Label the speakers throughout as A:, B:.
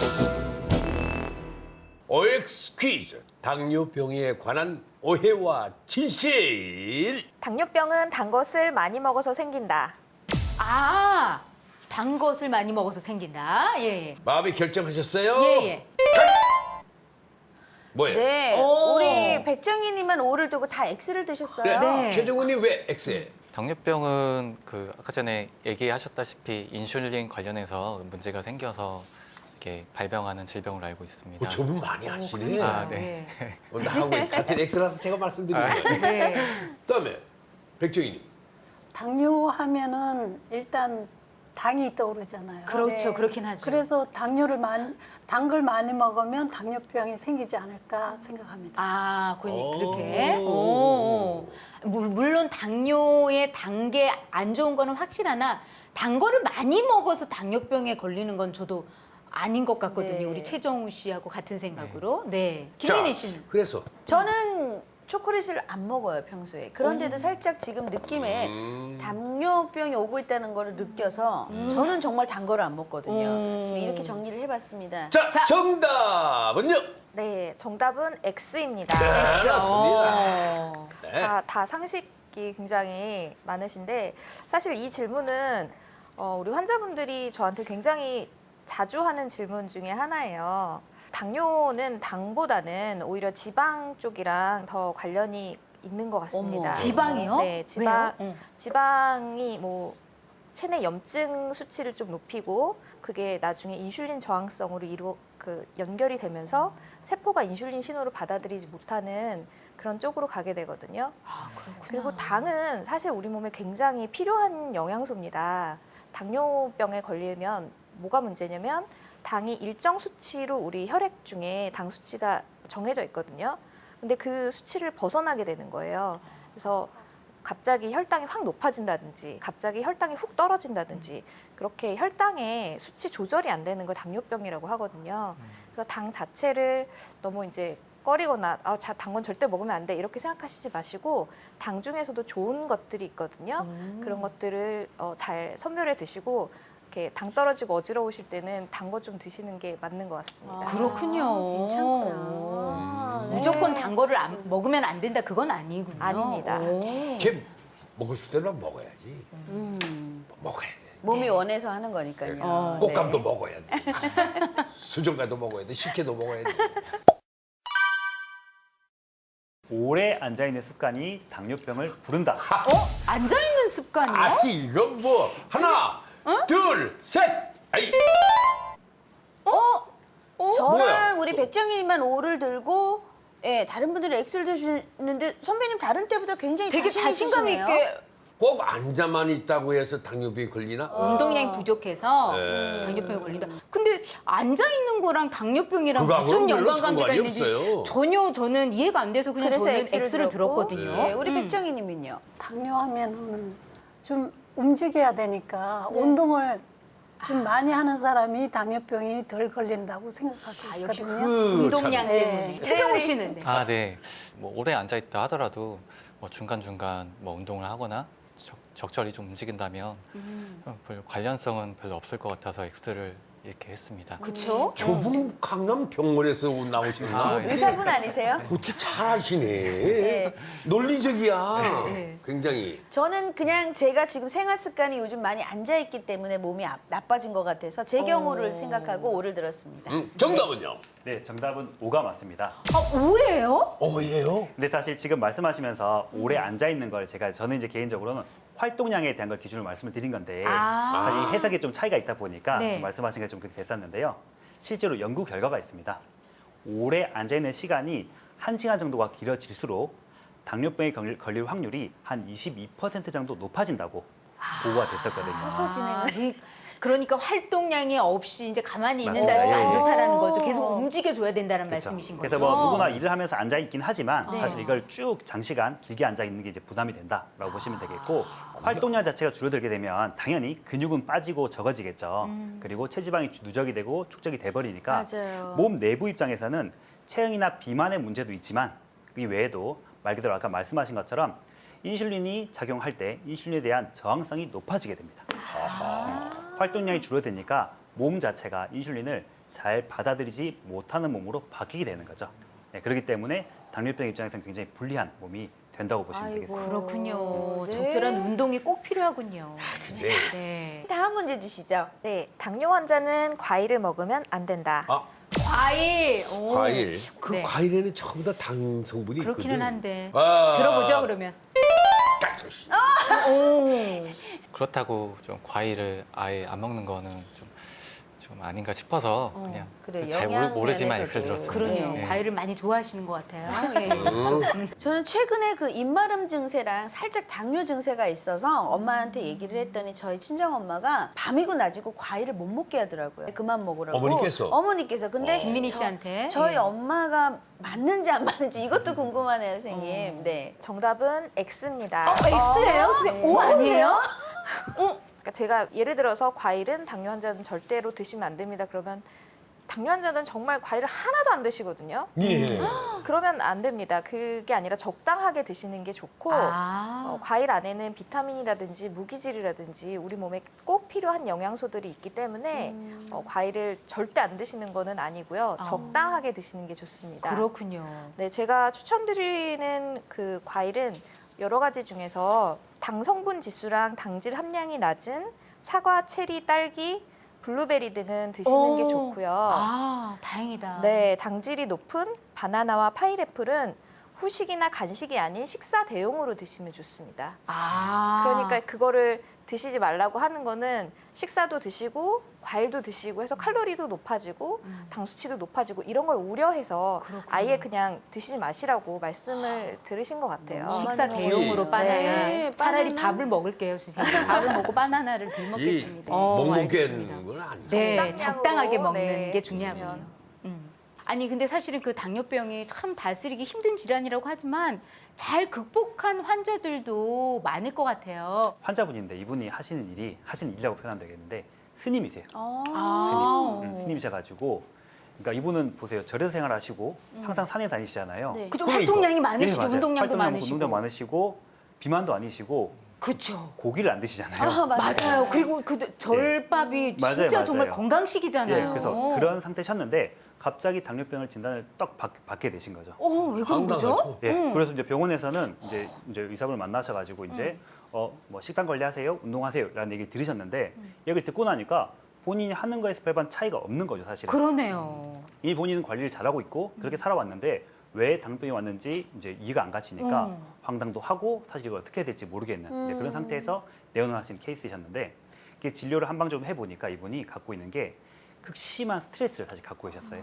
A: OX 퀴즈 당뇨병에 관한 오해와 진실.
B: 당뇨병은 단 것을 많이 먹어서 생긴다.
C: 아, 단 것을 많이 먹어서 생긴다. 예,
A: 마음이 결정하셨어요?
C: 예. 예.
A: 뭐예요?
B: 네,
C: 오.
B: 우리 백정희님은 O를 두고 다 X를 드셨어요.
C: 네.
A: 최정훈이 왜 X에?
D: 당뇨병은 아까 전에 얘기하셨다시피 인슐린 관련해서 문제가 생겨서 이렇게 발병하는 질병으로 알고 있습니다.
A: 저분 많이 아시네.
C: 그러니까요.
D: 아, 네.
A: 나하고 같은 X라서 제가 말씀드린 거예요.
C: 네.
A: 그다음에 백정희님.
E: 당뇨 하면은 일단 당이 떠오르잖아요.
C: 그렇죠.
B: 네.
C: 그렇긴 하죠.
E: 그래서 단 걸 많이 먹으면 당뇨병이 생기지 않을까 생각합니다.
C: 아,
A: 오.
C: 그렇게. 오. 물론 당뇨의 단계 안 좋은 거는 확실하나 단 거를 많이 먹어서 당뇨병에 걸리는 건 저도 아닌 것 같거든요.
B: 네.
C: 우리 최정우 씨하고 같은 생각으로. 네.
A: 자,
C: 김민희 씨는?
A: 그래서
B: 저는 초콜릿을 안 먹어요, 평소에. 그런데도 살짝 지금 느낌에 당뇨병이 오고 있다는 걸 느껴서 저는 정말 단 거를 안 먹거든요. 이렇게 정리를 해봤습니다.
A: 자, 정답은요?
B: 네, 정답은 X입니다.
A: 네, 그렇습니다.
C: 어.
A: 네.
B: 다 상식이 굉장히 많으신데 사실 이 질문은 우리 환자분들이 저한테 굉장히 자주 하는 질문 중에 하나예요. 당뇨는 당보다는 오히려 지방 쪽이랑 더 관련이 있는 것 같습니다.
C: 어머. 지방이요?
B: 네,
C: 왜요?
B: 지방이 뭐 체내 염증 수치를 좀 높이고 그게 나중에 인슐린 저항성으로 연결이 되면서 세포가 인슐린 신호를 받아들이지 못하는 그런 쪽으로 가게 되거든요.
C: 아, 그렇구나.
B: 그리고 당은 사실 우리 몸에 굉장히 필요한 영양소입니다. 당뇨병에 걸리면 뭐가 문제냐면 당이 일정 수치로 우리 혈액 중에 당 수치가 정해져 있거든요. 근데 그 수치를 벗어나게 되는 거예요. 그래서 갑자기 혈당이 확 높아진다든지 갑자기 혈당이 훅 떨어진다든지 그렇게 혈당의 수치 조절이 안 되는 걸 당뇨병이라고 하거든요. 그래서 당 자체를 너무 이제 꺼리거나 단 건 절대 먹으면 안 돼 이렇게 생각하시지 마시고 당 중에서도 좋은 것들이 있거든요. 그런 것들을 잘 선별해 드시고 이렇게 당 떨어지고 어지러우실 때는 단 거 좀 드시는 게 맞는 것 같습니다.
C: 그렇군요.
B: 괜찮구나. 네.
C: 무조건 단 거를 먹으면 안 된다 그건 아니군요.
B: 아닙니다.
C: 오.
A: 걔 먹고 싶을 때는 먹어야지. 먹어야 돼.
B: 몸이 원해서 하는 거니까요. 네.
A: 꽃감도 먹어야 돼. 수정과도 먹어야 돼. 식혜도 먹어야 돼.
F: 오래 앉아있는 습관이 당뇨병을 부른다.
C: 앉아 있는 습관이요?
A: 아니 이건 뭐 하나, 둘, 셋. 아이.
B: 저랑
A: 뭐야?
B: 우리 백정희님만 O를 들고 예, 다른 분들은 X를 드시는데 선배님 다른 때보다 굉장히
C: 되게 자신감
B: 있으시네요.
C: 있게
A: 꼭 앉아만 있다고 해서 당뇨병이 걸리나?
C: 운동량이 부족해서
A: 네.
C: 당뇨병에 걸린다. 근데 앉아 있는 거랑 당뇨병이랑
A: 그거하고는
C: 무슨
A: 별로
C: 연관관계가
A: 상관이
C: 있는지
A: 없어요.
C: 전혀 저는 이해가 안 돼서 그냥
B: 그래서
C: 저는
B: X를
C: X를
B: 들었고,
C: 들었거든요.
B: 예, 우리 백정희님은요.
E: 당뇨하면은 좀 움직여야 되니까 운동을 좀 많이 하는 사람이 당뇨병이 덜 걸린다고 생각하고
C: 역시
E: 있거든요.
C: 운동량
E: 네.
C: 때문에. 최정우 씨는 네.
D: 아, 네. 뭐 오래 앉아 있다 하더라도 뭐 중간중간 뭐 운동을 하거나 적절히 좀 움직인다면 별 관련성은 별로 없을 것 같아서 X를 이렇게 했습니다.
C: 그렇죠?
A: 저분 강남 병원에서 나오셨나?
D: 아, 예.
B: 의사분 아니세요?
A: 어떻게 잘하시네. 논리적이야. 굉장히.
B: 저는 그냥 제가 지금 생활 습관이 요즘 많이 앉아 있기 때문에 몸이 나빠진 것 같아서 제 경우를 생각하고 O를 들었습니다.
A: 정답은요?
F: 네, 정답은 O가 맞습니다.
C: 아, 오해예요?
A: 예요?
F: 근데 사실 지금 말씀하시면서 오래 앉아있는 걸 저는 이제 개인적으로는 활동량에 대한 걸 기준으로 말씀을 드린 건데
C: 아.
F: 사실 해석에 좀 차이가 있다 보니까
C: 네.
F: 좀 말씀하신 게 좀 그렇게 됐었는데요. 실제로 연구 결과가 있습니다. 오래 앉아있는 시간이 1시간 정도가 길어질수록 당뇨병에 걸릴 확률이 한 22% 정도 높아진다고 보고가 됐었거든요.
B: 서서 진행을.
C: 그러니까 활동량이 없이 이제 가만히 있는
F: 맞습니다.
C: 자세가 안
F: 예, 예.
C: 좋다라는 거죠. 계속 움직여줘야 된다는
F: 그렇죠.
C: 말씀이신 거죠.
F: 그래서 뭐 누구나 일을 하면서 앉아 있긴 하지만
C: 네.
F: 사실 이걸 쭉 장시간 길게 앉아 있는 게 이제 부담이 된다라고 보시면 되겠고 활동량 자체가 줄어들게 되면 당연히 근육은 빠지고 적어지겠죠. 그리고 체지방이 누적이 되고 축적이 돼버리니까
B: 맞아요.
F: 몸 내부 입장에서는 체형이나 비만의 문제도 있지만 이 외에도 말 그대로 아까 말씀하신 것처럼 인슐린이 작용할 때 인슐린에 대한 저항성이 높아지게 됩니다. 활동량이 줄어드니까 몸 자체가 인슐린을 잘 받아들이지 못하는 몸으로 바뀌게 되는 거죠. 네, 그렇기 때문에 당뇨병 입장에서는 굉장히 불리한 몸이 된다고 보시면
E: 아이고.
F: 되겠습니다.
C: 그렇군요.
E: 네.
C: 적절한 운동이 꼭 필요하군요.
A: 네.
C: 네.
G: 다음 문제 주시죠.
B: 네, 당뇨 환자는 과일을 먹으면 안 된다.
A: 아,
C: 과일. 오.
A: 과일. 그
C: 네.
A: 과일에는 전부 다 당 성분이
C: 그렇기는
A: 있거든.
C: 한데.
A: 아.
C: 들어보죠, 그러면.
D: 그렇다고 좀 과일을 아예 안 먹는 거는 좀 아닌가 싶어서 그냥
G: 그래,
D: 잘
G: 영양
D: 모르지만
G: 면에서도.
D: X를 들었습니다.
C: 그러네요.
D: 네.
C: 과일을 많이 좋아하시는 것 같아요. 예.
G: 저는 최근에 그 입마름 증세랑 살짝 당뇨 증세가 있어서 엄마한테 얘기를 했더니 저희 친정 엄마가 밤이고 낮이고 과일을 못 먹게 하더라고요. 그만 먹으라고.
A: 어머니께서?
G: 근데
C: 김민희 씨한테.
G: 저희
C: 예.
G: 엄마가 맞는지 안 맞는지 이것도 궁금하네요, 선생님. 네.
B: 정답은 X입니다.
G: X예요, 선생님? O 아니에요?
B: 그러니까 제가 예를 들어서 과일은 당뇨 환자는 절대로 드시면 안 됩니다. 그러면 당뇨 환자는 정말 과일을 하나도 안 드시거든요.
A: 예.
B: 그러면 안 됩니다. 그게 아니라 적당하게 드시는 게 좋고 과일 안에는 비타민이라든지 무기질이라든지 우리 몸에 꼭 필요한 영양소들이 있기 때문에 과일을 절대 안 드시는 거는 아니고요. 적당하게 드시는 게 좋습니다.
C: 그렇군요.
B: 네, 제가 추천드리는 그 과일은 여러 가지 중에서 당 성분 지수랑 당질 함량이 낮은 사과, 체리, 딸기, 블루베리 등은 드시는 게 좋고요.
C: 아, 다행이다.
B: 네, 당질이 높은 바나나와 파인애플은 후식이나 간식이 아닌 식사 대용으로 드시면 좋습니다.
C: 아.
B: 그러니까 그거를 드시지 말라고 하는 거는 식사도 드시고 과일도 드시고 해서 칼로리도 높아지고 당 수치도 높아지고 이런 걸 우려해서
C: 그렇군요.
B: 아예 그냥 드시지 마시라고 말씀을 들으신 것 같아요.
C: 식사 대용으로
A: 예.
C: 바나나.
G: 네,
C: 차라리
G: 바나나.
C: 밥을 먹을게요, 선생님. 밥을 먹고 바나나를 덜 먹겠습니다.
A: 못
C: 알겠습니다.
A: 먹겠는 건 아니죠.
C: 네,
B: 적당량으로,
C: 적당하게 먹는
B: 네,
C: 게 중요하군요.
B: 드시면.
C: 아니 근데 사실은 그 당뇨병이 참 다스리기 힘든 질환이라고 하지만 잘 극복한 환자들도 많을 것 같아요.
F: 환자분인데 이분이 하시는 일이라고 표현하면 되겠는데 스님이세요.
C: 아.
F: 스님이셔가지고 그러니까 이분은 보세요. 절에서 생활하시고 항상 산에 다니시잖아요.
G: 네.
C: 그죠?
A: 그러니까.
C: 활동량이 많으시죠.
F: 맞아요.
C: 운동량도
F: 활동량
C: 많으시고.
F: 운동량 많으시고 비만도 아니시고
C: 그렇죠.
F: 고기를 안 드시잖아요.
C: 맞아요. 그리고 그 절밥이
F: 맞아요,
C: 진짜
F: 맞아요.
C: 정말 건강식이잖아요.
F: 예, 그래서 그런 상태셨는데 갑자기 당뇨병을 진단을 딱 받게 되신 거죠.
C: 왜 그런 거죠?
A: 황당하죠.
F: 예, 그래서 이제 병원에서는 이제 의사분을 만나셔가지고 이제 뭐 식단 관리하세요, 운동하세요라는 얘기를 들으셨는데 얘기를 듣고 나니까 본인이 하는 거에서 별반 차이가 없는 거죠, 사실은.
C: 그러네요.
F: 이 본인은 관리를 잘하고 있고 그렇게 살아왔는데 왜 당뇨병이 왔는지 이제 이해가 안 가시니까 황당도 하고 사실 이걸 어떻게 해야 될지 모르겠는 이제 그런 상태에서 내원하신 케이스이셨는데 이게 진료를 한방 좀 해보니까 이분이 갖고 있는 게 극심한 스트레스를 사실 갖고 계셨어요.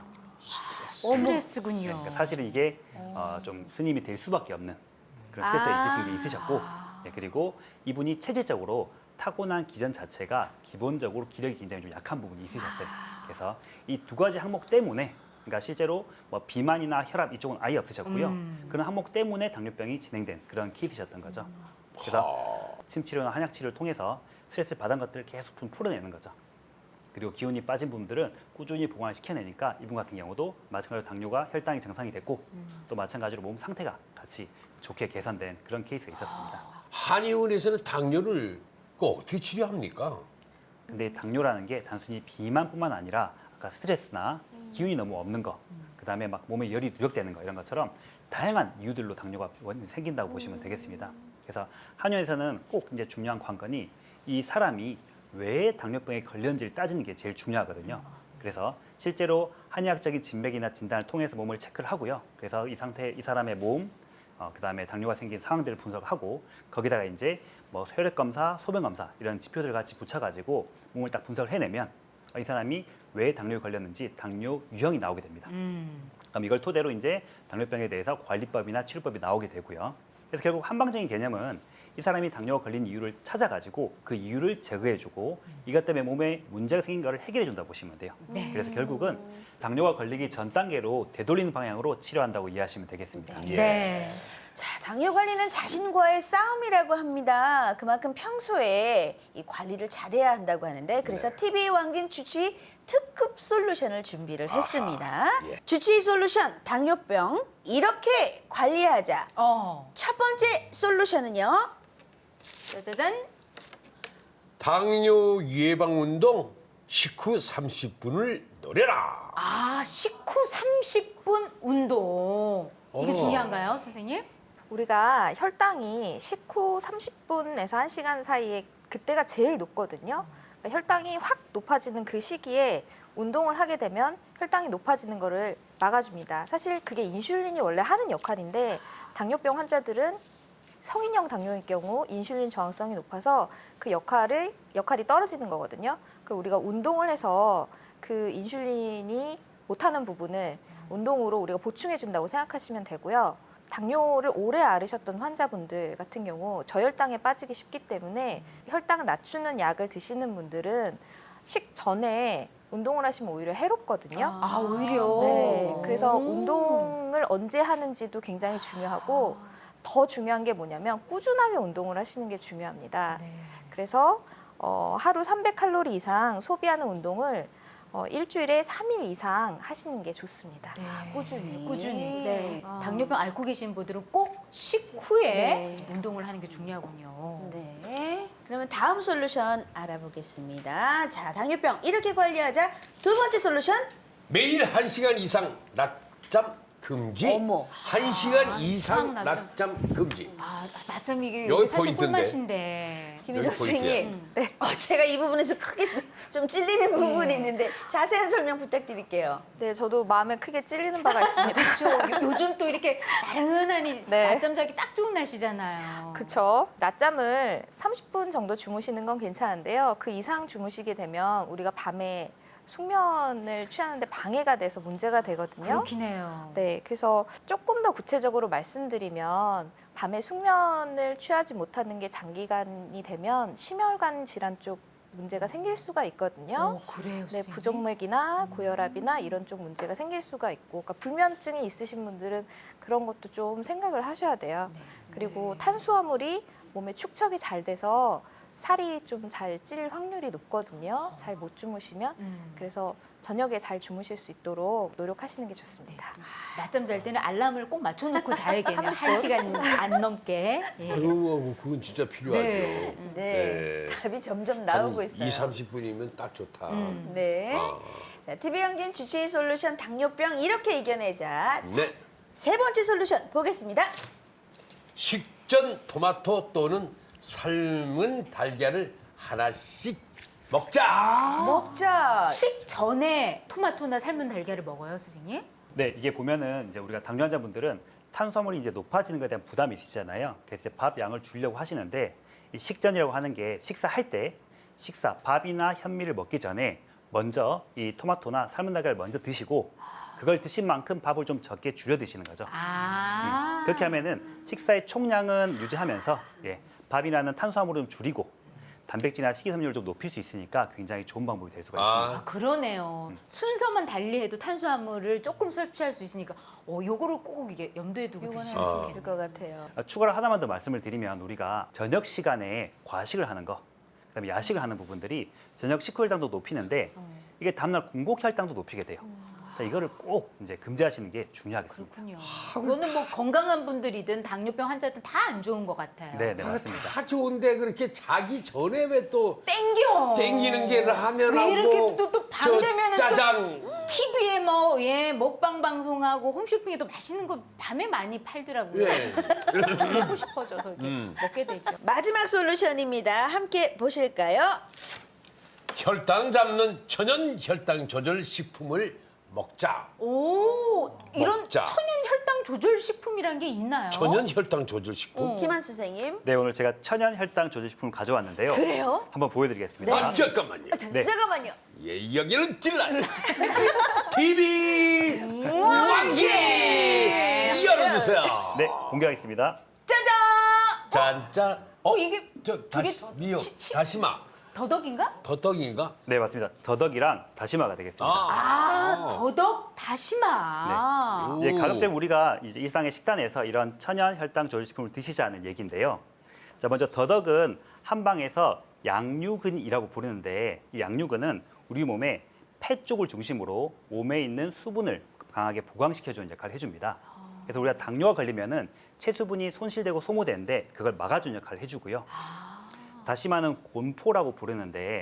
C: 스트레스군요.
F: 그러니까 사실은 이게 좀 스님이 될 수밖에 없는 그런 스트레스가 있으신 게 있으셨고 예, 그리고 이분이 체질적으로 타고난 기전 자체가 기본적으로 기력이 굉장히 좀 약한 부분이 있으셨어요. 그래서 이 두 가지 항목 때문에 그러니까 실제로 뭐 비만이나 혈압 이쪽은 아예 없으셨고요. 그런 항목 때문에 당뇨병이 진행된 그런 케이스셨던 거죠. 그래서 침 치료나 한약 치료를 통해서 스트레스를 받은 것들을 계속 좀 풀어내는 거죠. 그리고 기운이 빠진 분들은 꾸준히 보강을 시켜내니까 이분 같은 경우도 마찬가지로 당뇨가 혈당이 정상이 됐고 또 마찬가지로 몸 상태가 같이 좋게 개선된 그런 케이스가 있었습니다.
A: 한의원에서는 당뇨를 어떻게 치료합니까?
F: 근데 당뇨라는 게 단순히 비만뿐만 아니라 아까 스트레스나 기운이 너무 없는 거, 그다음에 막 몸에 열이 누적되는 거 이런 것처럼 다양한 이유들로 당뇨가 생긴다고 보시면 되겠습니다. 그래서 한의원에서는 꼭 이제 중요한 관건이 이 사람이 왜 당뇨병에 걸렸는지를 따지는 게 제일 중요하거든요. 그래서 실제로 한의학적인 진맥이나 진단을 통해서 몸을 체크를 하고요. 그래서 이 사람의 몸, 그다음에 당뇨가 생긴 상황들을 분석하고 거기다가 이제 뭐 혈액 검사, 소변 검사 이런 지표들을 같이 붙여가지고 몸을 딱 분석을 해내면 이 사람이 왜 당뇨에 걸렸는지 당뇨 유형이 나오게 됩니다. 그럼 이걸 토대로 이제 당뇨병에 대해서 관리법이나 치료법이 나오게 되고요. 그래서 결국 한방적인 개념은 이 사람이 당뇨가 걸린 이유를 찾아가지고 그 이유를 제거해주고 이것 때문에 몸에 문제가 생긴 거를 해결해준다고 보시면 돼요.
C: 네.
F: 그래서 결국은 당뇨가 걸리기 전 단계로 되돌리는 방향으로 치료한다고 이해하시면 되겠습니다.
A: 예.
C: 네.
G: 자, 당뇨 관리는 자신과의 싸움이라고 합니다. 그만큼 평소에 이 관리를 잘해야 한다고 하는데 그래서 TV 왕진 주치의 특급 솔루션을 준비를 했습니다.
A: 예.
G: 주치의 솔루션 당뇨병 이렇게 관리하자. 첫 번째 솔루션은요.
C: 짜자잔.
A: 당뇨 예방 운동 식후 30분을 노려라.
C: 아, 식후 30분 운동. 이게 중요한가요, 선생님?
B: 우리가 혈당이 식후 30분에서 1시간 사이에 그때가 제일 높거든요. 그러니까 혈당이 확 높아지는 그 시기에 운동을 하게 되면 혈당이 높아지는 거를 막아줍니다. 사실 그게 인슐린이 원래 하는 역할인데 당뇨병 환자들은 성인형 당뇨일 경우 인슐린 저항성이 높아서 그 역할이 떨어지는 거거든요. 그럼 우리가 운동을 해서 그 인슐린이 못하는 부분을 운동으로 우리가 보충해 준다고 생각하시면 되고요. 당뇨를 오래 앓으셨던 환자분들 같은 경우 저혈당에 빠지기 쉽기 때문에 혈당을 낮추는 약을 드시는 분들은 식전에 운동을 하시면 오히려 해롭거든요.
C: 아, 오히려.
B: 네, 그래서 운동을 언제 하는지도 굉장히 중요하고 더 중요한 게 뭐냐면 꾸준하게 운동을 하시는 게 중요합니다.
C: 네.
B: 그래서 하루 300칼로리 이상 소비하는 운동을 일주일에 3일 이상 하시는 게 좋습니다.
G: 꾸준히.
C: 꾸준히.
B: 네.
C: 당뇨병 앓고 계신 분들은 꼭 식후에
B: 네.
C: 운동을 하는 게 중요하군요.
G: 네. 그러면 다음 솔루션 알아보겠습니다. 자, 당뇨병 이렇게 관리하자. 두 번째 솔루션.
A: 매일 1시간 이상 낮잠 금지.
G: 어머.
A: 1시간 이상
C: 낮잠.
A: 낮잠 금지.
C: 아, 낮잠 이게
A: 여기
C: 사실
A: 포인트인데.
G: 김희정
C: 꿀맛인데.
A: 여기 포인트야.
G: 선생님, 제가 이 부분에서 크게 좀 찔리는 부분이 있는데 자세한 설명 부탁드릴게요.
B: 네, 저도 마음에 크게 찔리는 바가 있습니다.
C: 그렇죠. 요즘 또 이렇게 나른하니
B: 네.
C: 낮잠 자기 딱 좋은 날씨잖아요.
B: 그렇죠. 낮잠을 30분 정도 주무시는 건 괜찮은데요. 그 이상 주무시게 되면 우리가 밤에 숙면을 취하는데 방해가 돼서 문제가 되거든요.
C: 그렇긴 해요.
B: 네, 그래서 조금 더 구체적으로 말씀드리면 밤에 숙면을 취하지 못하는 게 장기간이 되면 심혈관 질환 쪽 문제가 생길 수가 있거든요.
C: 그래요.
B: 네,
C: 선생님?
B: 부정맥이나 고혈압이나 이런 쪽 문제가 생길 수가 있고, 그러니까 불면증이 있으신 분들은 그런 것도 좀 생각을 하셔야 돼요. 그리고 탄수화물이 몸에 축적이 잘 돼서 살이 좀 잘 찔 확률이 높거든요. 잘 못 주무시면. 그래서 저녁에 잘 주무실 수 있도록 노력하시는 게 좋습니다.
C: 낮잠 잘 때는 알람을 꼭 맞춰놓고 자야겠네요. 1시간 안 넘게. 예.
A: 그건 진짜 필요하죠.
C: 네.
G: 네. 답이 점점 나오고 있어요.
A: 2, 30분이면 딱 좋다.
G: 네.
A: 아.
G: 자, TV영진 주치의 솔루션 당뇨병 이렇게 이겨내자. 자,
A: 네.
G: 세 번째 솔루션 보겠습니다.
A: 식전 토마토 또는 삶은 달걀을 하나씩 먹자.
G: 먹자.
C: 식전에 토마토나 삶은 달걀을 먹어요, 선생님?
F: 네, 이게 보면은 이제 우리가 당뇨 환자분들은 탄수화물이 이제 높아지는 것에 대한 부담이 있으시잖아요. 그래서 이제 밥 양을 줄이려고 하시는데 이 식전이라고 하는 게 식사할 때 밥이나 현미를 먹기 전에 먼저 이 토마토나 삶은 달걀을 먼저 드시고 그걸 드신 만큼 밥을 좀 적게 줄여 드시는 거죠. 그렇게 하면은 식사의 총량은 유지하면서 밥이라는 탄수화물은 줄이고 단백질이나 식이섬유를 좀 높일 수 있으니까 굉장히 좋은 방법이 될 수가 있습니다.
C: 아, 그러네요. 순서만 달리해도 탄수화물을 조금 섭취할 수 있으니까 요거를 꼭 이게 염두에 두고
G: 이건
C: 드시면
G: 할 수 있을 것 같아요.
F: 추가로 하나만 더 말씀을 드리면 우리가 저녁 시간에 과식을 하는 거, 그다음에 야식을 하는 부분들이 저녁 식후 혈당도 높이는데 이게 다음날 공복 혈당도 높이게 돼요. 자, 이거를 꼭 이제 금지하시는 게 중요하겠습니다.
C: 그렇군요. 그거는 뭐 건강한 분들이든 당뇨병 환자든 다 안 좋은 것 같아요.
F: 네, 맞습니다.
A: 다 좋은데 그렇게 자기 전에 왜 또
C: 땡기는
A: 게 라면하고
C: 왜 이렇게 또 밤 되면은
A: 짜장
C: TV에 먹방 방송하고 홈쇼핑에도 맛있는 거 밤에 많이 팔더라고요.
A: 예.
C: 먹고 싶어져서 이렇게 먹게 되죠.
G: 마지막 솔루션입니다. 함께 보실까요?
A: 혈당 잡는 천연 혈당 조절 식품을 먹자.
C: 이런
A: 먹자.
C: 천연 혈당 조절 식품이란 게 있나요?
A: 천연 혈당 조절 식품.
G: 김한 선생님.
F: 네, 오늘 제가 천연 혈당 조절 식품을 가져왔는데요.
G: 그래요?
F: 한번 보여드리겠습니다.
A: 아, 잠깐만요.
F: 네.
G: 잠깐만요.
A: 예, 여기는 찔러요. TV 왕기 열어주세요.
F: 네, 공개하겠습니다.
C: 짜잔!
A: 짠짠.
C: 이게
A: 미역, 다시마,
C: 더덕인가?
A: 더덕인가?
F: 네, 맞습니다. 더덕이랑 다시마가 되겠습니다.
C: 더덕 다시마.
F: 이제
A: 오.
F: 가급적 우리가 이제 일상의 식단에서 이런 천연 혈당 조절 식품을 드시자는 얘기인데요. 자, 먼저 더덕은 한방에서 양류근이라고 부르는데 이 양류근은 우리 몸에 폐 쪽을 중심으로 몸에 있는 수분을 강하게 보강시켜주는 역할을 해줍니다. 그래서 우리가 당뇨가 걸리면은 체수분이 손실되고 소모되는데 그걸 막아주는 역할을 해주고요. 다시마는 곤포라고 부르는데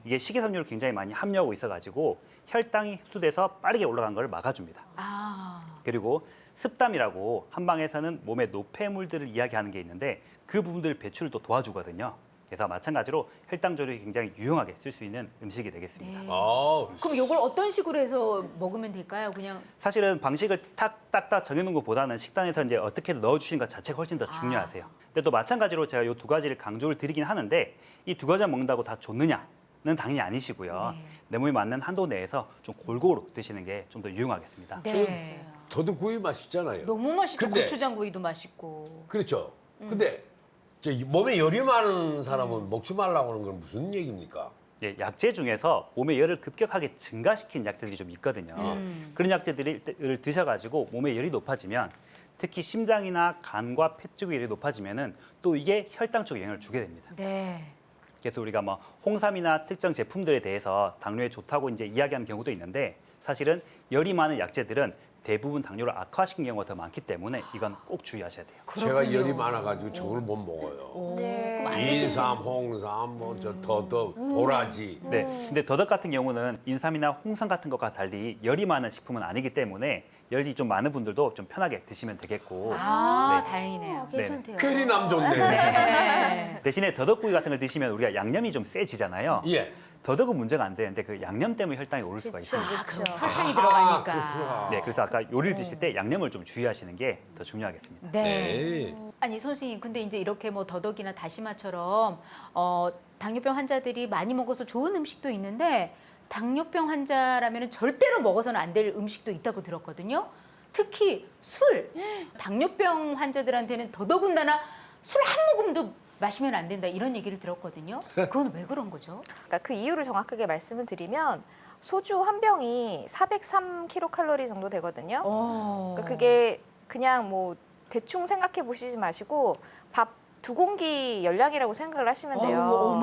F: 이게 식이섬유를 굉장히 많이 함유하고 있어가지고 혈당이 흡수돼서 빠르게 올라간 걸 막아줍니다.
C: 아.
F: 그리고 습담이라고 한방에서는 몸의 노폐물들을 이야기하는 게 있는데 그 부분들 배출을 또 도와주거든요. 그래서 마찬가지로 혈당 조절이 굉장히 유용하게 쓸 수 있는 음식이 되겠습니다.
C: 네.
A: 아,
C: 그럼 이걸 어떤 식으로 해서 먹으면 될까요? 그냥
F: 사실은 방식을 딱딱딱 정해놓은 것보다는 식단에서 이제 어떻게 넣어주시는 것 자체가 훨씬 더 중요하세요. 근데 또 마찬가지로 제가 이 두 가지를 강조를 드리긴 하는데 이 두 가지 먹는다고 다 좋느냐는 당연히 아니시고요.
C: 네.
F: 내 몸에 맞는 한도 내에서 좀 골고루 드시는 게 좀 더 유용하겠습니다.
C: 네.
A: 더덕구이 맛있잖아요.
C: 너무 맛있죠.
A: 근데-
C: 고추장구이도 맛있고.
A: 그렇죠. 근데 저 몸에 열이 많은 사람은 먹지 말라고 하는 건 무슨 얘기입니까?
F: 예, 약재 중에서 몸의 열을 급격하게 증가시킨 약들이 좀 있거든요. 그런 약재들을 드셔가지고 몸의 열이 높아지면 특히 심장이나 간과 폐 쪽의 열이 높아지면은 또 이게 혈당 쪽에 영향을 주게 됩니다.
C: 네.
F: 그래서 우리가 뭐 홍삼이나 특정 제품들에 대해서 당뇨에 좋다고 이제 이야기하는 경우도 있는데 사실은 열이 많은 약재들은 대부분 당뇨를 악화시킨 경우가 더 많기 때문에 이건 꼭 주의하셔야 돼요.
A: 제가 열이 많아가지고 저걸 못 먹어요.
G: 네.
C: 그럼 안 드시는
A: 인삼, 홍삼, 뭐 저 더덕, 도라지.
F: 네. 근데 더덕 같은 경우는 인삼이나 홍삼 같은 것과 달리 열이 많은 식품은 아니기 때문에 열이 좀 많은 분들도 좀 편하게 드시면 되겠고
C: 아,
F: 네.
C: 다행이네요.
G: 괜찮대요.
A: 괜히 남 좋네.
C: 네.
F: 대신에 더덕구이 같은 걸 드시면 우리가 양념이 좀 세지잖아요.
A: 예.
F: 더덕은 문제가 안 되는데 그 양념 때문에 혈당이 오를 수가
G: 그쵸,
F: 있습니다.
G: 그쵸.
C: 설탕이
A: 아,
C: 들어가니까.
A: 그렇구나.
F: 네, 그래서 아까 요리를 드실 때 양념을 좀 주의하시는 게 더 중요하겠습니다.
C: 네.
A: 네.
C: 아니 선생님, 근데 이제 이렇게 뭐 더덕이나 다시마처럼 당뇨병 환자들이 많이 먹어서 좋은 음식도 있는데 당뇨병 환자라면 절대로 먹어서는 안 될 음식도 있다고 들었거든요. 특히 술. 당뇨병 환자들한테는 더더군다나 술 한 모금도 마시면 안 된다 이런 얘기를 들었거든요. 그건 왜 그런 거죠?
B: 그러니까 그 이유를 정확하게 말씀을 드리면 소주 한 병이 403kcal 정도 되거든요. 그러니까 그게 그냥 뭐 대충 생각해 보시지 마시고 밥 2공기 열량이라고 생각을 하시면 돼요.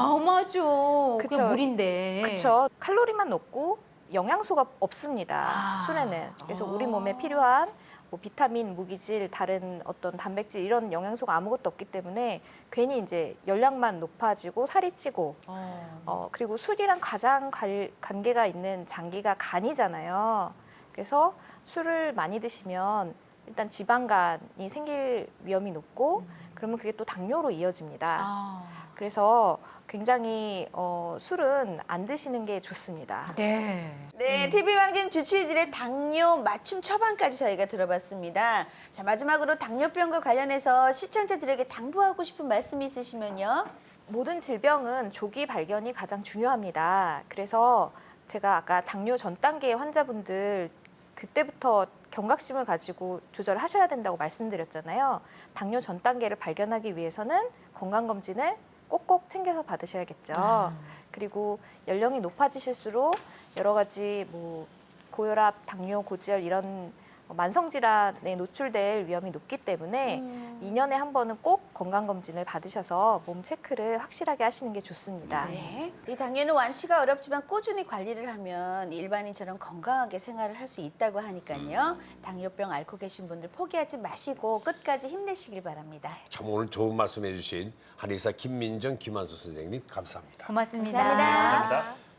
C: 어마어마하죠.
B: 그쵸.
C: 그게 물인데.
B: 그렇죠. 칼로리만 높고 영양소가 없습니다.
C: 아.
B: 술에는. 그래서 우리 몸에 필요한 뭐 비타민, 무기질, 다른 어떤 단백질 이런 영양소가 아무것도 없기 때문에 괜히 이제 열량만 높아지고 살이 찌고 그리고 술이랑 가장 관계가 있는 장기가 간이잖아요. 그래서 술을 많이 드시면 일단 지방간이 생길 위험이 높고 그러면 그게 또 당뇨로 이어집니다.
C: 아.
B: 그래서 굉장히 술은 안 드시는 게 좋습니다.
C: 네.
G: 네, TV왕진 주치의들의 당뇨 맞춤 처방까지 저희가 들어봤습니다. 자, 마지막으로 당뇨병과 관련해서 시청자들에게 당부하고 싶은 말씀이 있으시면요.
B: 모든 질병은 조기 발견이 가장 중요합니다. 그래서 제가 아까 당뇨 전 단계의 환자분들 그때부터 경각심을 가지고 조절하셔야 된다고 말씀드렸잖아요. 당뇨 전 단계를 발견하기 위해서는 건강검진을 꼭꼭 챙겨서 받으셔야겠죠. 그리고 연령이 높아지실수록 여러 가지 뭐 고혈압, 당뇨, 고지혈 이런 만성 질환에 노출될 위험이 높기 때문에 2년에 한 번은 꼭 건강검진을 받으셔서 몸 체크를 확실하게 하시는 게 좋습니다.
G: 네. 이 당뇨는 완치가 어렵지만 꾸준히 관리를 하면 일반인처럼 건강하게 생활을 할 수 있다고 하니까요. 당뇨병 앓고 계신 분들 포기하지 마시고 끝까지 힘내시길 바랍니다.
A: 참 오늘 좋은 말씀 해주신 한의사 김민정, 김한수 선생님 감사합니다.
C: 고맙습니다.
G: 감사합니다.
F: 감사합니다.